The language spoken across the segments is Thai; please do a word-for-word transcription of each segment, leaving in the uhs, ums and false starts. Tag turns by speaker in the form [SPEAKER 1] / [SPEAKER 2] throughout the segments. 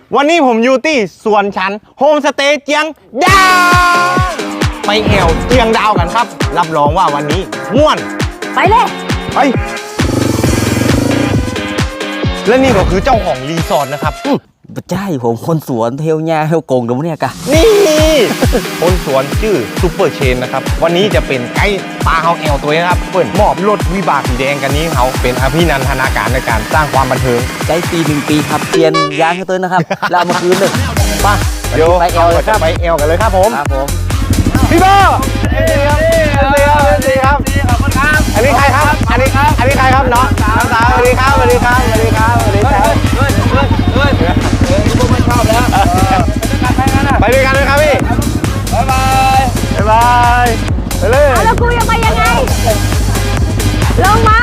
[SPEAKER 1] วันนี้ผมอยู่ที่สวนฉันโฮมสเตย์เจียงดาวไปแอวเจียงดาวกันครับรับรองว่าวันนี้ม่วน
[SPEAKER 2] ไปเลย
[SPEAKER 1] ไปและนี่ก็คือเจ้าของรีสอร์ทนะครับ
[SPEAKER 3] ใช่ผมคนสวนเทลญาเทลกงตรงนี้กะ
[SPEAKER 1] นี่คนสวนชื่อซูเปอร์เชนนะครับวันนี้จะเป็นไกด์ปลาเฮาแอลตัวนี้ครับเปิดมอบรถวิบากสีแดงกันนี้เขาเป็นอภินันทนาการในการสร้างความบันเทิง
[SPEAKER 3] ไกด์ปีหนึ่งปีครับเปลี่ยนยางให้ตัวนะครับแล้วมาคืนเลย
[SPEAKER 1] ป่ะเดี๋ยวไปแอลเลยครับไปแอลกันเลยครับผม
[SPEAKER 3] ครับผม
[SPEAKER 1] พี่เบอร์สวัสดีครับสวัสดีครับสวัสดีครับอันนี้ใครครับอันนี้อันนี้ใครครับเนาะน้องสาวสวัสดีครับสวัสดีครับสวัสดีครับสวัสดีครับเฮ้ยเฮ้ยเฮ้ยเฮ้ยเฮ้ยพวกไม่ชอบแล้วไปด้วยกันเลยครับพี่บ๊ายบายบ๊ายบายไปเลย
[SPEAKER 2] แล้วกูจะไปยังไงลงมา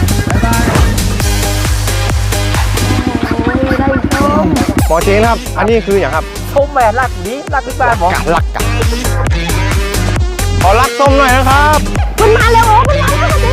[SPEAKER 1] หมอเชนครับอันนี้คืออย่างครับ
[SPEAKER 3] ส้มแม่รักนี้รักพี่ป้าหมอ
[SPEAKER 1] รักกันขอรักส้มหน่อยนะครับ
[SPEAKER 2] มันมาเร็วโอ้มันมาแล้วสิ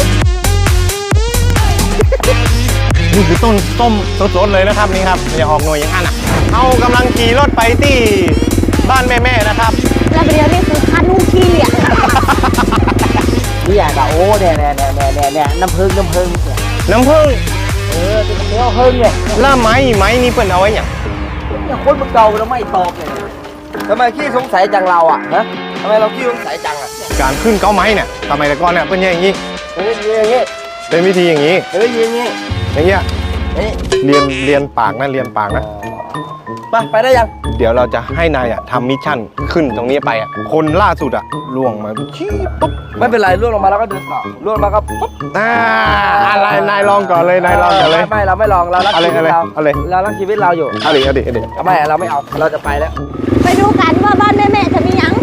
[SPEAKER 1] นี่คือต้นส้มสดๆเลยนะครับนี่ครับอย่าออกหน่วยอย่างนั้นอ่ะเอากำลังขี่รถไปที่บ้านแม่ๆนะครับ
[SPEAKER 2] แล้วเดี๋ยวนี่คือคันนุ่งขี้อ่ะ
[SPEAKER 3] นี่อย่างกับโอ้เนี่ยเนี่ยเนี่ยเนี่ยเนี่ยน้ำผึ้งน้ำผึ้ง
[SPEAKER 1] น้ำผึ้ง
[SPEAKER 3] เออเป็นเนื้อผึ้งเนี่ย
[SPEAKER 1] ล่าไม้ไม้นี่เป็นเอาไว้อย่าง
[SPEAKER 3] อย่างคนมันเก่าแล้วไม่ตอบเลยทำไมขี้สงสัยจังเราอ่ะนะทำไมเราขี้สงสัยจังอ่ะ
[SPEAKER 1] การขึ้นเก้าไม้เนี่ยทำไมแต่ก่อนเนี่ยเป็นอย่างนี้
[SPEAKER 3] เป็นอย่างนี้
[SPEAKER 1] เป็นวิธีอย่างนี้
[SPEAKER 3] เป็นอย่างนี้
[SPEAKER 1] อย่างเงี้ยเรียนเรียนปากนะเรียนปากนะ
[SPEAKER 3] ไปไปได้ยัง
[SPEAKER 1] เดี๋ยวเราจะให้นายอ่ะทำมิชชั่นขึ้นตรงนี้ไปอ่ะคนล่าสุดอ่ะล่วงมาชี้ปุ๊บ
[SPEAKER 3] ไม่เป็นไรล่วงลงมาแล้วก็เดินต่อล่วงมาก็ปุ๊บ
[SPEAKER 1] อ่าอะไรนายลองก่อนเลยนายลองก่อนเลย
[SPEAKER 3] ไม่เราไม่ลองเรารักชีวิตเรา
[SPEAKER 1] อะไร
[SPEAKER 3] เรารักชีวิตเราอยู่
[SPEAKER 1] อะไรอะไรอะไร
[SPEAKER 3] ไม่เราไม่เอาเราจะไปแล้ว
[SPEAKER 2] ไปดูกันว่าบ้านแม่แม่จะมียัง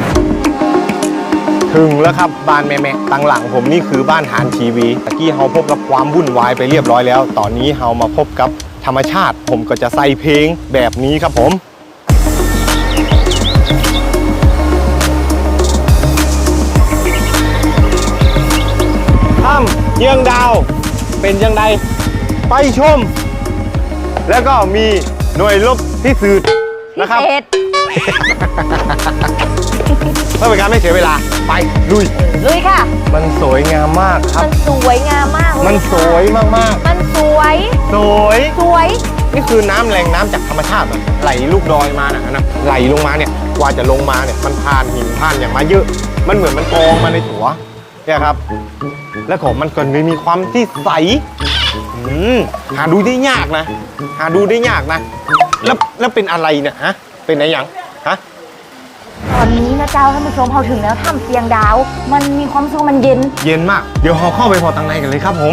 [SPEAKER 1] ถึงแล้วครับบ้านแม่แม่ตั้งหลังผมนี่คือบ้านฐานทีวีตะกี้เฮาพบกับความวุ่นวายไปเรียบร้อยแล้วตอนนี้เฮามาพบกับธรรมชาติผมก็จะใส่เพลงแบบนี้ครับผมถ้ำเจียงดาวเป็นยังไงไปชมแล้วก็มีหน่วยรบที่สืบนะครับเพื่อเป็นการไม่เสียเวลาไปลุย
[SPEAKER 2] ลุยค่ะ
[SPEAKER 1] มันสวยงามมากครับ
[SPEAKER 2] มันสวยงามมาก
[SPEAKER 1] มันสวยมากมาก
[SPEAKER 2] มันสวย
[SPEAKER 1] สวย
[SPEAKER 2] สวย
[SPEAKER 1] นี่คือน้ำแหล่งน้ำจากธรรมชาติไหลลูกดอยมานะนะไหลลงมาเนี่ยกว่าจะลงมาเนี่ยมันผ่านหินผ่านอย่างมาเยอะมันเหมือนมันกองมาในถัวเนี่ยครับและของมันก็มีความที่ใสหาดูได้ยากนะหาดูได้ยากนะแล้วแล้วเป็นอะไรเนี่ยฮะเป็นอะไรอย่างฮะ
[SPEAKER 2] ตอนนี้นะเจ้าท่านผู้ชมพอถึงแล้วถ้ำเจียงดาวมันมีความสุขมันเย็น
[SPEAKER 1] เย็นมากเดี๋ยวเราเข้าไปพอตังในกันเลยครับผม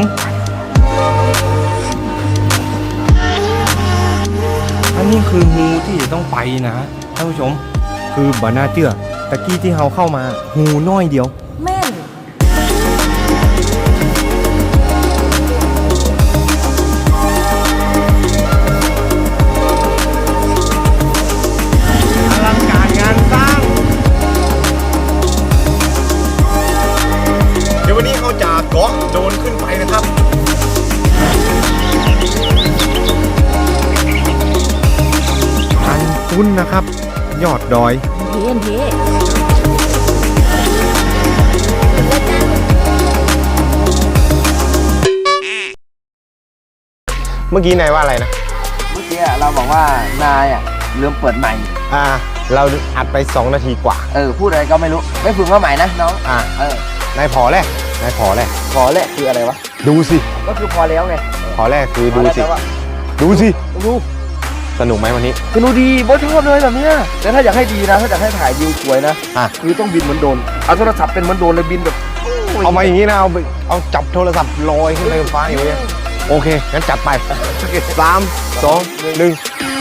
[SPEAKER 1] อันนี้คืองูที่จะต้องไปนะท่านผู้ชมคือบานาเจือตะกี้ที่เราเข้ามางูน้อยเดียว
[SPEAKER 2] แม่น
[SPEAKER 1] วันนี้เขาจะเกาะโดนขึ้นไปนะครับอันตุ้นนะครับยอดดอย
[SPEAKER 2] เทียนเทีย
[SPEAKER 1] เมื่อกี้นายว่าอะไรนะ
[SPEAKER 3] เมื่อกี้เราบอกว่านายอ่ะเริ่มเปิดใหม่
[SPEAKER 1] อ่าเราอัดไปสองนาทีกว่า
[SPEAKER 3] เออพูดอะไรก็ไม่รู้ไม่ฝึกมาใหม่นะน้อง
[SPEAKER 1] อ่า
[SPEAKER 3] เอ
[SPEAKER 1] อนายพอแรกนายพอแรก
[SPEAKER 3] พอแรกคืออะไรวะ
[SPEAKER 1] ดูสิ
[SPEAKER 3] ก็คือพอแล้วไง
[SPEAKER 1] พอแรกคือดูสิดูสิ
[SPEAKER 3] ดู
[SPEAKER 1] สนุกไหมวันนี้
[SPEAKER 3] สนุกดีโบ๊ทชอบเลยแบบนี้แต่ถ้าอยากให้ดีนะถ้าอยากให้ถ่ายวิวสวยนะ
[SPEAKER 1] อ่ะ
[SPEAKER 3] คือต้องบินเหมือนโดรนเอาโทรศัพท์เป็นเหมือนโดรนเลยบินแบบ
[SPEAKER 1] เอามาอย่างนี้นะเอาไปเอาจับโทรศัพท์ลอยขึ้นไปบนฟ้าอย่างนี้โอเคงั้นจัดไปสามสองหนึ่ง